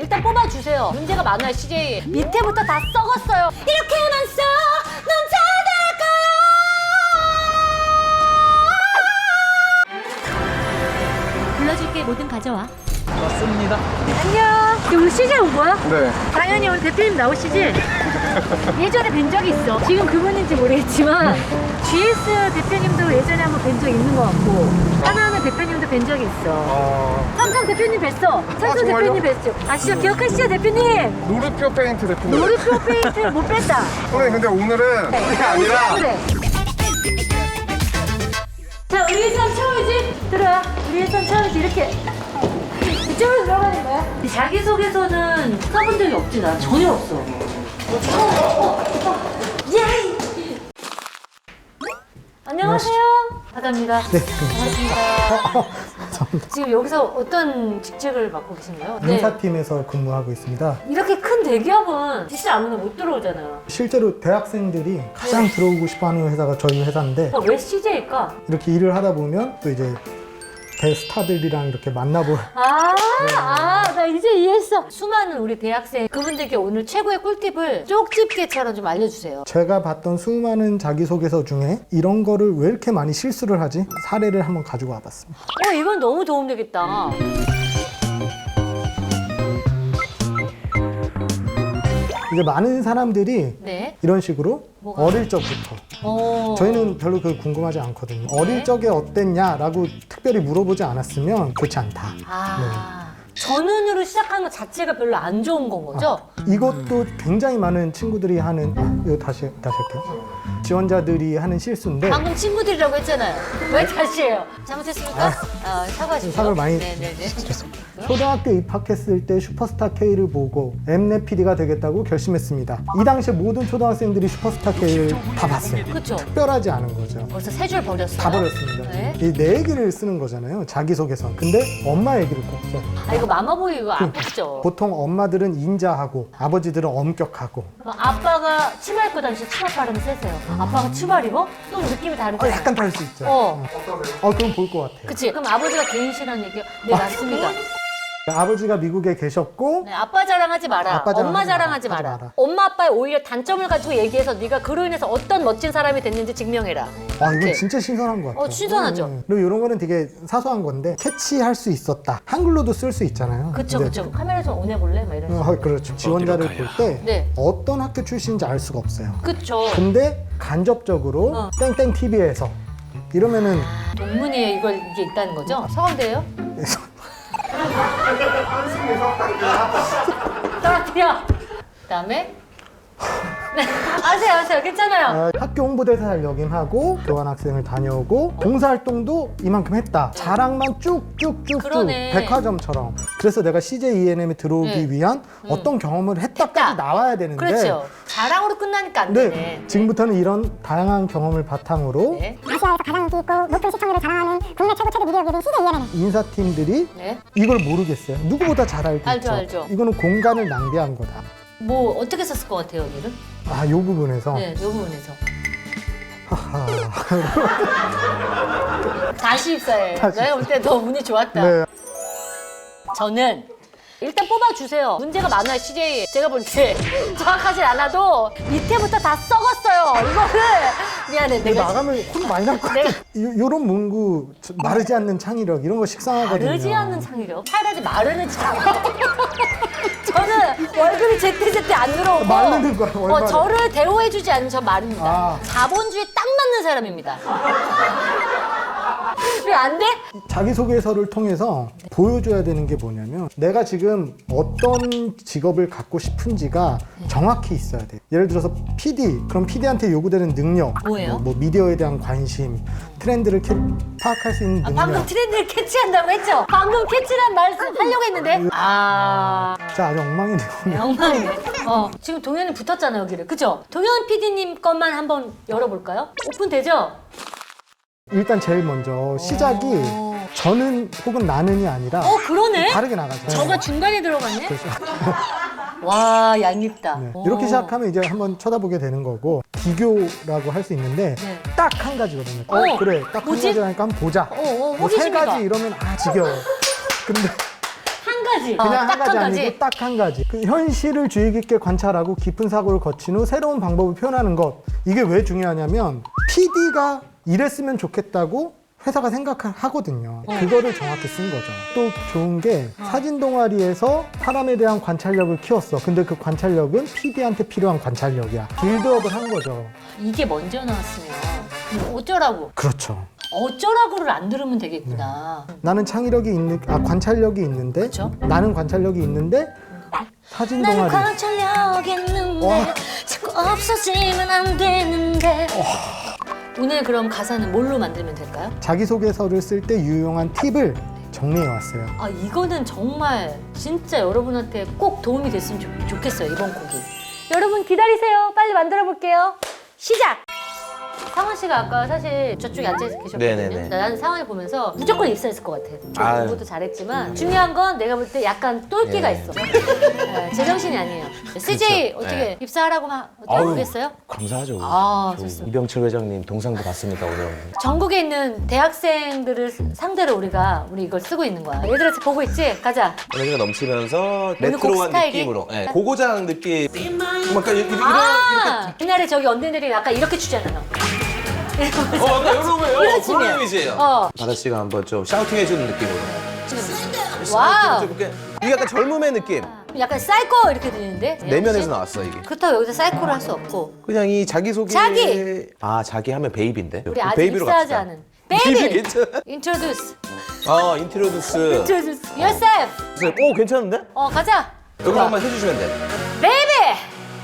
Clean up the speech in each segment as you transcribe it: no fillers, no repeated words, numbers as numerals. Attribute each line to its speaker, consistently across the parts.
Speaker 1: 일단 뽑아주세요. 문제가 많아요, CJ. 밑에부터 다 썩었어요. 이렇게만 써 넘쳐날까요? 불러줄게, 뭐든 가져와.
Speaker 2: 맞습니다.
Speaker 1: 안녕. 오늘 CJ 온 거야?
Speaker 3: 네.
Speaker 1: 당연히 오늘 대표님 나오시지? 예전에 뵌 적이 있어. 지금 그분인지 모르겠지만 GS 대표님도 예전에 한번 뵌 적 있는 것 같고 하나하나 대표님도 뵌 적이 있어. 삼성 대표님 뵀어. 삼성
Speaker 3: 정말요?
Speaker 1: 대표님 뵀죠. 아시죠? 기억하시죠, 대표님?
Speaker 3: 노르표 페인트 대표님.
Speaker 1: 노르표 페인트 못 뺐다.
Speaker 3: 선생님 근데 오늘은 그게 아니라
Speaker 1: 그래. 자, 우리 일선 처음이지? 들어와. 우리 일선 처음이지. 이렇게 이쪽으로 들어가는 거야. 자기소개서는 써본 적이 없지. 나 전혀 없어. 예! 안녕하세요. 바다입니다. 네, 반갑습니다. 지금 여기서 어떤 직책을 맡고 계신가요?
Speaker 4: 인사팀에서 근무하고 있습니다.
Speaker 1: 이렇게 큰 대기업은 진짜 아무나 못 들어오잖아요.
Speaker 4: 실제로 대학생들이 가장 들어오고 싶어하는 회사가 저희 회사인데
Speaker 1: 왜 CJ일까?
Speaker 4: 이렇게 일을 하다 보면 또 이제 대스타들이랑 이렇게 만나볼
Speaker 1: 나 이제 이해했어. 수많은 우리 대학생 그분들께 오늘 최고의 꿀팁을 쪽집게처럼 좀 알려주세요.
Speaker 4: 제가 봤던 수많은 자기소개서 중에 이런 거를 왜 이렇게 많이 실수를 하지? 사례를 한번 가지고 와봤습니다.
Speaker 1: 이건 너무 도움되겠다.
Speaker 4: 이제 많은 사람들이
Speaker 1: 네.
Speaker 4: 이런 식으로
Speaker 1: 뭐가?
Speaker 4: 어릴 적부터 저희는 별로 그 궁금하지 않거든요. 어릴 적에 어땠냐라고 특별히 물어보지 않았으면 좋지 않다.
Speaker 1: 전운으로 시작하는 것 자체가 별로 안 좋은 건 거죠?
Speaker 4: 이것도 굉장히 많은 친구들이 하는 이거 다시 할게요. 지원자들이 하는 실수인데
Speaker 1: 방금 친구들이라고 했잖아요. 왜 다시 해요? 잘못했습니까? 사과하십시오.
Speaker 4: 사과를 많이
Speaker 1: 네네네.
Speaker 4: 초등학교 입학했을 때 슈퍼스타 K를 보고 엠넷 PD가 되겠다고 결심했습니다. 이 당시에 모든 초등학생들이 슈퍼스타 K를 다 봤어요.
Speaker 1: 그쵸.
Speaker 4: 특별하지 않은 거죠.
Speaker 1: 벌써 세 줄 버렸어요.
Speaker 4: 다 버렸습니다.
Speaker 1: 네.
Speaker 4: 이 내 얘기를 쓰는 거잖아요. 자기소개서. 근데 엄마 얘기를 꼭 써.
Speaker 1: 이거 마마보이 이거 안 뽑죠?
Speaker 4: 보통 엄마들은 인자하고 아버지들은 엄격하고
Speaker 1: 아빠가 치마 입고 다니시 치마 바르면 세세요. 아빠가 치마 입어? 또 느낌이 다르죠?
Speaker 4: 약간 다를 수 있죠. 그럼 볼 것 같아요.
Speaker 1: 그치? 그럼 아버지가 개인시라는 얘기요? 네, 맞습니다.
Speaker 4: 아버지가 미국에 계셨고
Speaker 1: 네, 아빠 자랑하지 마라.
Speaker 4: 아빠 자랑하지
Speaker 1: 엄마
Speaker 4: 마라.
Speaker 1: 자랑하지
Speaker 4: 하지
Speaker 1: 마라.
Speaker 4: 마라.
Speaker 1: 엄마 아빠의 오히려 단점을 가지고 얘기해서 네가 그로 인해서 어떤 멋진 사람이 됐는지 증명해라.
Speaker 4: 이건
Speaker 1: 이렇게.
Speaker 4: 진짜 신선한 것 같아요.
Speaker 1: 신선하죠.
Speaker 4: 그리고 이런 거는 되게 사소한 건데 캐치할 수 있었다. 한글로도 쓸 수 있잖아요.
Speaker 1: 그쵸,
Speaker 4: 근데
Speaker 1: 그쵸. 카메라 좀 오내볼래? 막 이런 식으로.
Speaker 4: 그렇죠. 지원자를 볼 때
Speaker 1: 네.
Speaker 4: 어떤 학교 출신인지 알 수가 없어요.
Speaker 1: 그쵸.
Speaker 4: 근데 간접적으로 땡땡 TV에서 이러면은
Speaker 1: 동문이에 이게 있다는 거죠? 서강대예요? 떨어뜨려. 그다음에 네, 아세요. 괜찮아요.
Speaker 4: 학교 홍보대사를 역임하고 교환학생을 다녀오고 봉사활동도 이만큼 했다. 자랑만 쭉쭉쭉쭉
Speaker 1: 그러네.
Speaker 4: 백화점처럼. 그래서 내가 CJ ENM에 들어오기
Speaker 1: 네.
Speaker 4: 위한 어떤 경험을 했다까지
Speaker 1: 했다.
Speaker 4: 나와야 되는데
Speaker 1: 그렇죠. 자랑으로 끝나니까 안 되네.
Speaker 4: 네, 지금부터는 이런 다양한 경험을 바탕으로
Speaker 1: 네.
Speaker 5: 아시아에서 가장 인기 있고 높은 시청률을 자랑하는 국내 최고 체대 미디어 기업인 CJ ENM.
Speaker 4: 인사팀들이
Speaker 1: 네.
Speaker 4: 이걸 모르겠어요. 누구보다 잘 알고
Speaker 1: 알죠,
Speaker 4: 있죠.
Speaker 1: 알죠.
Speaker 4: 이거는 공간을 낭비한 거다.
Speaker 1: 뭐 어떻게 썼을 것 같아요, 여기를?
Speaker 4: 요 부분에서
Speaker 1: 네, 이 부분에서.
Speaker 4: 하하.
Speaker 1: 다시 입사해.
Speaker 4: 다시
Speaker 1: 내가 볼 때 너 운이 좋았다.
Speaker 4: 네.
Speaker 1: 저는 일단 뽑아주세요. 문제가 많아요, CJ. 제가 볼 때 정확하진 않아도 밑에부터 다 썩었어요. 이거를 미안해.
Speaker 4: 이거 나가면 혼 많이 날 것 같아. 요런 문구, 마르지 않는 창의력 이런 거 식상하거든요.
Speaker 1: 마르지 않는 창의력. 차라리 마르는 창의력. 저는 월급이 제때제때 안 들어오고
Speaker 4: 마르는 거야, 월말에.
Speaker 1: 저를 대우해주지 않으면 전 마릅니다.
Speaker 4: 아.
Speaker 1: 자본주의에 딱 맞는 사람입니다. 왜 안 돼?
Speaker 4: 자기소개서를 통해서 보여줘야 되는 게 뭐냐면 내가 지금 어떤 직업을 갖고 싶은지가 정확히 있어야 돼. 예를 들어서 PD, 그럼 PD한테 요구되는 능력,
Speaker 1: 뭐예요?
Speaker 4: 뭐 미디어에 대한 관심, 트렌드를 파악할 수 있는 능력.
Speaker 1: 방금 트렌드를 캐치한다고 했죠? 방금 캐치란 말씀 하려고 했는데
Speaker 4: 자, 아주 엉망이네요.
Speaker 1: 엉망이네. 지금 동현이 붙었잖아요, 여기를. 그죠? 동현 PD님 것만 한번 열어볼까요? 오픈되죠?
Speaker 4: 일단 제일 먼저 시작이 저는 혹은 나는이 아니라
Speaker 1: 그러네?
Speaker 4: 다르게 나가죠.
Speaker 1: 저가 중간에 들어갔네?
Speaker 4: 그렇죠.
Speaker 1: 와, 얄밉다.
Speaker 4: 네. 이렇게 시작하면 이제 한번 쳐다보게 되는 거고 비교라고 할 수 있는데
Speaker 1: 네.
Speaker 4: 딱 한 가지거든요. 그래, 딱 한
Speaker 1: 뭐지?
Speaker 4: 가지라니까 한번 보자. 뭐 세
Speaker 1: 호기심이다.
Speaker 4: 가지 이러면 지겨워. 근데
Speaker 1: 한 가지.
Speaker 4: 그냥 한
Speaker 1: 딱
Speaker 4: 가지
Speaker 1: 한 가지.
Speaker 4: 아니고 딱 한 가지. 그 현실을 주의 깊게 관찰하고 깊은 사고를 거친 후 새로운 방법을 표현하는 것. 이게 왜 중요하냐면 PD가 이랬으면 좋겠다고 회사가 생각하거든요. 그거를 정확히 쓴 거죠. 또 좋은 게 사진 동아리에서 사람에 대한 관찰력을 키웠어. 근데 그 관찰력은 PD한테 필요한 관찰력이야. 빌드업을 한 거죠.
Speaker 1: 이게 먼저 나왔으면 어쩌라고.
Speaker 4: 그렇죠.
Speaker 1: 어쩌라고를 안 들으면 되겠구나.
Speaker 4: 나는 창의력이 있는, 관찰력이 있는데,
Speaker 1: 그쵸?
Speaker 4: 나는 관찰력이 있는데, 사진
Speaker 1: 나는
Speaker 4: 동아리.
Speaker 1: 관찰력 있는데
Speaker 4: 와.
Speaker 1: 자꾸 없어지면 안 되는데. 오늘 그럼 가사는 뭘로 만들면 될까요?
Speaker 4: 자기소개서를 쓸 때 유용한 팁을 정리해 왔어요.
Speaker 1: 아 이거는 정말 진짜 여러분한테 꼭 도움이 됐으면 좋겠어요, 이번 곡이. 여러분 기다리세요. 빨리 만들어 볼게요. 시작! 상원 씨가 아까 사실 저쪽에 앉아 계셨거든요.
Speaker 2: 네네네.
Speaker 1: 나는 상원을 보면서 무조건 입사했을 것 같아.
Speaker 2: 아유.
Speaker 1: 공부도 잘했지만 중요한 건 내가 볼 때 약간 똘끼가
Speaker 2: 예.
Speaker 1: 있어. 네, 제정신이 아니에요. CJ
Speaker 2: 그렇죠.
Speaker 1: 어떻게
Speaker 2: 네.
Speaker 1: 입사하라고 막 어떻게
Speaker 2: 아유.
Speaker 1: 보겠어요?
Speaker 2: 감사하죠.
Speaker 1: 아,
Speaker 2: 저
Speaker 1: 좋습니다.
Speaker 2: 이병철 회장님 동상도 봤습니까 오늘?
Speaker 1: 전국에 있는 대학생들을 상대로 우리 이걸 쓰고 있는 거야. 얘들아 보고 있지? 가자.
Speaker 2: 에너지가 넘치면서
Speaker 1: 곡
Speaker 2: 레트로한
Speaker 1: 스타일이?
Speaker 2: 느낌으로, 고고장 느낌. 뭔가 이렇게
Speaker 1: 옛날에 저기 언니들이 약간 이렇게 추잖아요.
Speaker 2: 아까 이러면
Speaker 1: 이런 춤이에요.
Speaker 2: 그런 이미지예요. 바다 씨가 한번 좀 샤우팅 해주는 느낌으로.
Speaker 1: 와우.
Speaker 2: 좀 이렇게 이게 약간 젊음의 느낌.
Speaker 1: 약간 사이코 이렇게 들리는데?
Speaker 2: 내면에서 나왔어 이게.
Speaker 1: 그렇다고 여기서 사이코를 할 수 없고.
Speaker 2: 그냥 이 자기 소개.
Speaker 1: 자기!
Speaker 2: 자기 하면 베이비인데.
Speaker 1: 우리 아직
Speaker 2: 베이비로
Speaker 1: 입사하지
Speaker 2: 갑시다.
Speaker 1: 않은.
Speaker 2: 베이비
Speaker 1: 베이비!
Speaker 2: 괜찮아.
Speaker 1: Introduce.
Speaker 2: 인트로듀스.
Speaker 1: Introduce yourself.
Speaker 2: 오 괜찮은데?
Speaker 1: 가자.
Speaker 2: 여기 한번 해주시면 돼.
Speaker 1: Baby!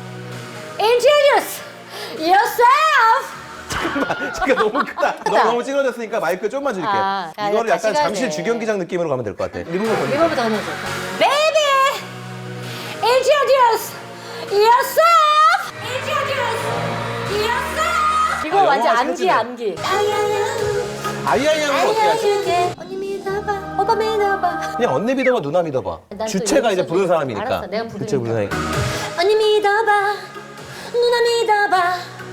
Speaker 1: Introduce yourself!
Speaker 2: 잠깐 너무 크다. 너무 찌그러졌으니까 마이크 좀만 줄게.
Speaker 1: 야,
Speaker 2: 이거를
Speaker 1: 같이
Speaker 2: 약간
Speaker 1: 가야
Speaker 2: 잠실
Speaker 1: 돼.
Speaker 2: 주경기장 느낌으로 가면 될 것 같아. 리모컨 건드.
Speaker 1: 이거부터 하면서. Baby! Introduce yourself! Introduce yourself! 이거 완전
Speaker 2: 영어가
Speaker 1: 암기야,
Speaker 2: 생각지네.
Speaker 1: 암기.
Speaker 2: 아이아이하면 어떻게 하지?
Speaker 1: 알려줄게. 언니 믿어봐. 오빠 믿어봐.
Speaker 2: 그냥 언니 믿어봐, 누나 믿어봐.
Speaker 1: 난또
Speaker 2: 주체가 이제
Speaker 1: 여기서
Speaker 2: 부르는
Speaker 1: 좀-
Speaker 2: 사람이니까.
Speaker 1: 알았어, 내가 부르니까.
Speaker 2: 주체 부르는 사람이.
Speaker 1: 언니 믿어봐. 누나 믿어봐.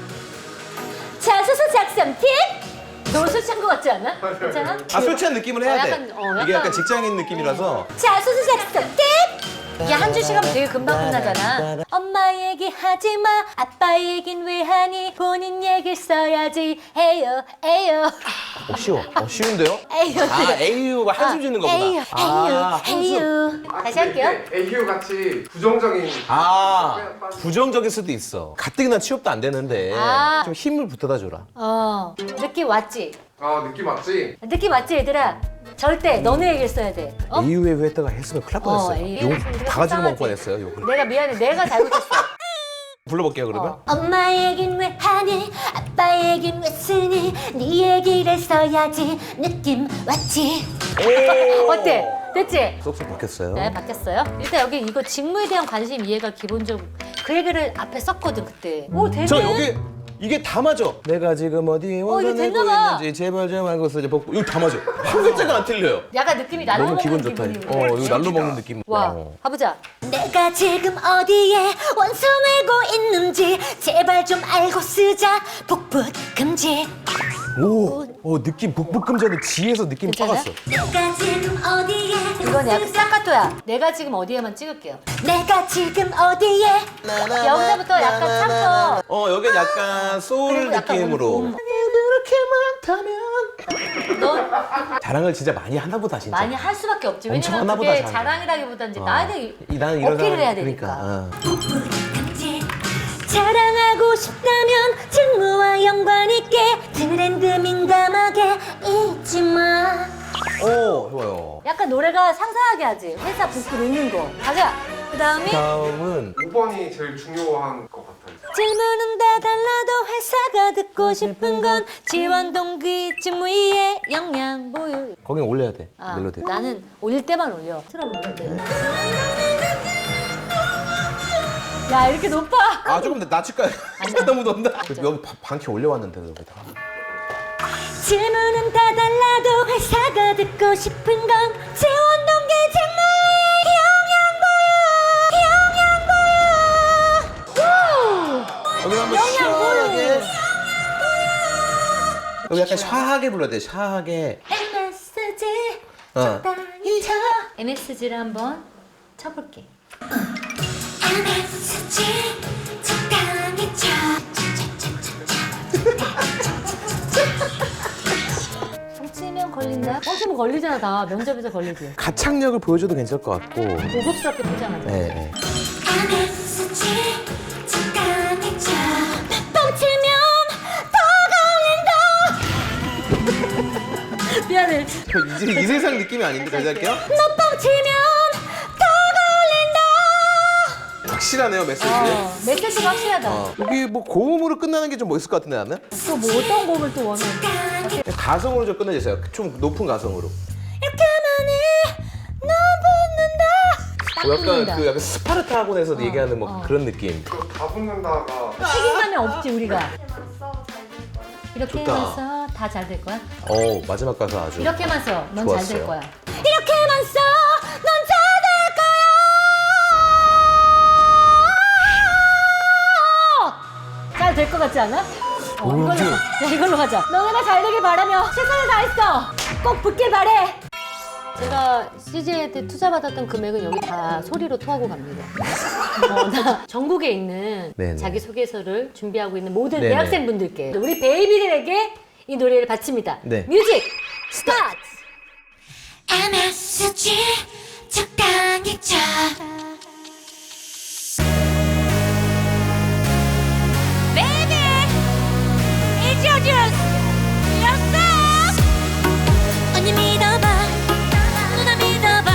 Speaker 1: 자소서 작성 팁? 너무 술 취한 것 같지 않아? 괜찮아?
Speaker 2: 술 취한 느낌을 해야 돼.
Speaker 1: 약간,
Speaker 2: 이게 약간 직장인 느낌이라서.
Speaker 1: 자소서 작성 팁! 야, 한 줄 시간 되게 금방 끝나잖아. 엄마 얘기 하지 마. 아빠 얘긴 왜 하니? 본인 얘기를 써야지. 에요, 에요.
Speaker 2: 쉬워. 쉬운데요?
Speaker 1: 에요.
Speaker 2: 에이유가 한숨 짓는 거구나.
Speaker 1: 에요, 에요, 에요. 다시 할게요.
Speaker 3: 애교 같이 부정적인.
Speaker 2: 부정적일 수도 있어. 가뜩이나 취업도 안 되는데
Speaker 1: 아.
Speaker 2: 좀 힘을 붙여다 줘라.
Speaker 1: 느낌 왔지?
Speaker 3: 느낌 맞지?
Speaker 1: 느낌 왔지, 얘들아? 절대 너네 얘기를 써야 돼.
Speaker 2: 에이유에 했다가 했으면 큰일 날 뻔했어요.
Speaker 1: 에이유
Speaker 2: 욕
Speaker 1: 했으면
Speaker 2: 다 가지고 먹을
Speaker 1: 속상하지.
Speaker 2: 뻔했어요. 욕을.
Speaker 1: 내가 미안해. 내가 잘못했어.
Speaker 2: 불러볼게요 그러면.
Speaker 1: 엄마 얘긴 왜 하니? 아빠 얘긴 왜 쓰니? 네 얘기를 써야지. 느낌 왔지?
Speaker 2: 오!
Speaker 1: 어때? 됐지?
Speaker 2: 쏙쏙 바뀌었어요.
Speaker 1: 네, 바뀌었어요. 일단 여기 이거 직무에 대한 관심 이해가 기본적으로 그 얘기를 앞에 썼거든 그때. 오 되네.
Speaker 2: 저 여기 이게 다 맞아. 내가 지금 어디에
Speaker 1: 이게
Speaker 2: 원산하고
Speaker 1: 됐나 봐.
Speaker 2: 있는지 제발 좀 알고 있어. 이제 복부 이거 다 맞아. 한 글자가 안 틀려요.
Speaker 1: 약간 느낌이 날로
Speaker 2: 너무
Speaker 1: 먹는
Speaker 2: 기분 좋다.
Speaker 1: 기분이고.
Speaker 2: 이거 날로 먹는 느낌.
Speaker 1: 와, 가보자. 내가 지금 어디에 원성하고 있는지 제발 좀 알고 쓰자. 복붙 금지.
Speaker 2: 느낌 북북금전에 지에서 느낌
Speaker 1: 괜찮아?
Speaker 2: 빠갔어.
Speaker 1: 내가 지금 어디에 이건 약간 싹가토야. 내가 지금 어디에만 찍을게요. 내가 지금 어디에 여기서부터 약간 참고
Speaker 2: 여긴 약간 소울
Speaker 1: 그리고 약간
Speaker 2: 느낌으로.
Speaker 1: 그렇게 많다면 너
Speaker 2: 자랑을 진짜 많이 하나 보다 진짜.
Speaker 1: 많이 할 수밖에 없지.
Speaker 2: 엄청
Speaker 1: 왜냐면
Speaker 2: 하나
Speaker 1: 그게
Speaker 2: 보다,
Speaker 1: 자랑이라기보다 이제 나한테
Speaker 2: 나는 이런
Speaker 1: 어필을
Speaker 2: 사람-
Speaker 1: 해야 되니까.
Speaker 2: 그러니까.
Speaker 1: 자랑하고 싶다면 직무와 연관 있게 트렌드 민감하게 잊지 마.
Speaker 2: 좋아요.
Speaker 1: 약간 노래가 상상하게 하지. 회사 복구 놓는 거. 가자. 그다음이
Speaker 2: 다음은
Speaker 3: 5번이 제일 중요한 것 같아요.
Speaker 1: 질문은 다 달라도 회사가 듣고 싶은 건 지원 동기 직무 이해 역량 보유.
Speaker 2: 거긴 올려야 돼. 멜로디.
Speaker 1: 나는 올릴 때만 올려. 틀어볼래. 야 이렇게 높아.
Speaker 2: 조금 더 낮출까요? 너무 높나? 여기 반키 올려왔는데 여기다.
Speaker 1: 질문은 다 달라도 회사가 듣고 싶은 건 지원 동기 직무의 역량 보유.
Speaker 2: 여기 한번
Speaker 1: 영양 보유.
Speaker 2: 시원하게. 여기 약간 샤하게 불러야 돼. 샤하게.
Speaker 1: 메시지
Speaker 2: 어.
Speaker 1: 적당히 쳐. MSG를 한번 쳐볼게.
Speaker 5: MSG 적당히 쳐.
Speaker 1: 뻥치면 걸린다? 뻥치면 걸리잖아 다. 면접에서 걸리지.
Speaker 2: 가창력을 보여줘도 괜찮을 것 같고.
Speaker 1: 고급스럽게 포장하자.
Speaker 2: 네, 네.
Speaker 5: MSG 적당히 쳐. 뻥치면
Speaker 1: 미안해.
Speaker 2: 이제 이 세상 느낌이 아닌데 다시 할게요.
Speaker 5: 너 뻥치면 더 걸린다.
Speaker 2: 확실하네요 메시지.
Speaker 1: 메시지가 확실하다.
Speaker 2: 여기 뭐 고음으로 끝나는 게 좀 멋있을 것 같은데 나는.
Speaker 1: 또 뭐 어떤 곡을 또 원해?
Speaker 2: 가성으로 좀 끝내주세요. 좀 높은 가성으로.
Speaker 5: 이렇게 많이 넌 붙는다.
Speaker 1: 딱
Speaker 2: 약간
Speaker 1: 붙는다.
Speaker 2: 그 약간 스파르타 학원에서 얘기하는 뭐 그런 느낌.
Speaker 3: 그거 다 붙는다가
Speaker 1: 책임감이 없지 우리가. 이렇게만
Speaker 2: 좋다.
Speaker 1: 써 다 잘 될 거야?
Speaker 2: 마지막 가사 아주.
Speaker 1: 이렇게만 써 넌 잘 될
Speaker 2: 좋았어요.
Speaker 1: 거야.
Speaker 5: 이렇게만 써. 넌 잘 될 거야.
Speaker 1: 잘 될 것 같지 않아? 이걸로 가자. 너네가 잘 되길 바라며 최선을 다했어. 꼭 붙길 바래. 제가 CJ한테 투자받았던 금액은 여기 다 소리로 토하고 갑니다. 나 전국에 있는
Speaker 2: 네네.
Speaker 1: 자기소개서를 준비하고 있는 모든
Speaker 2: 네네.
Speaker 1: 대학생분들께 우리 베이비들에게 이 노래를 바칩니다.
Speaker 2: 네.
Speaker 1: 뮤직 스타트!
Speaker 5: MSG 적당히 쳐. Baby, it's your juice. Yes, 언니 믿어봐, 누나 믿어봐.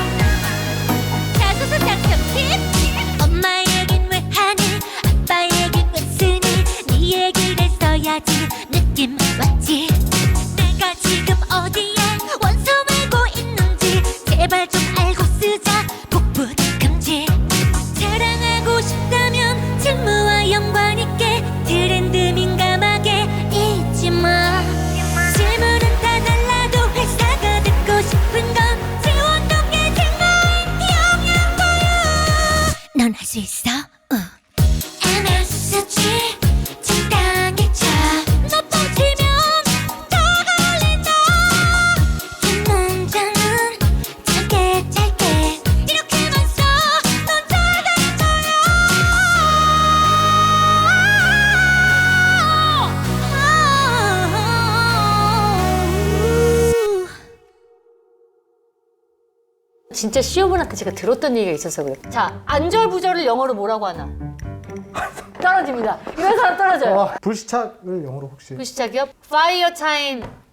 Speaker 5: 자소서 작성 팁. 엄마 얘긴 왜 하니? 아빠 얘긴 왜 쓰니? 네 얘기를 써야지 느낌 왔지? 내가 지금 어디에 원서 메고 있는지 제발 좀 알고 쓰자. 복붙 금지. 자랑하고 싶다면 직무와 연관 있게 트렌드 민감하게 잊지 마. 질문은 다 달라도 회사가 듣고 싶은 건 지원 동계 증거인 영양 보유. 넌 할 수 있어. MSG 적당히 쳐. 너 뻥치면 더 걸린다. 긴 문장은 짧게 짧게 이렇게만 써. 넌 잘 될 거야.
Speaker 1: 진짜 시어머니한테 제가 들었던 얘기가 있어서 그래. 자, 안절부절을 영어로 뭐라고 하나? 떨어집니다. 이런 사람 떨어져요.
Speaker 4: 불시착을 영어로 혹시
Speaker 1: 그 시작이요? Fire time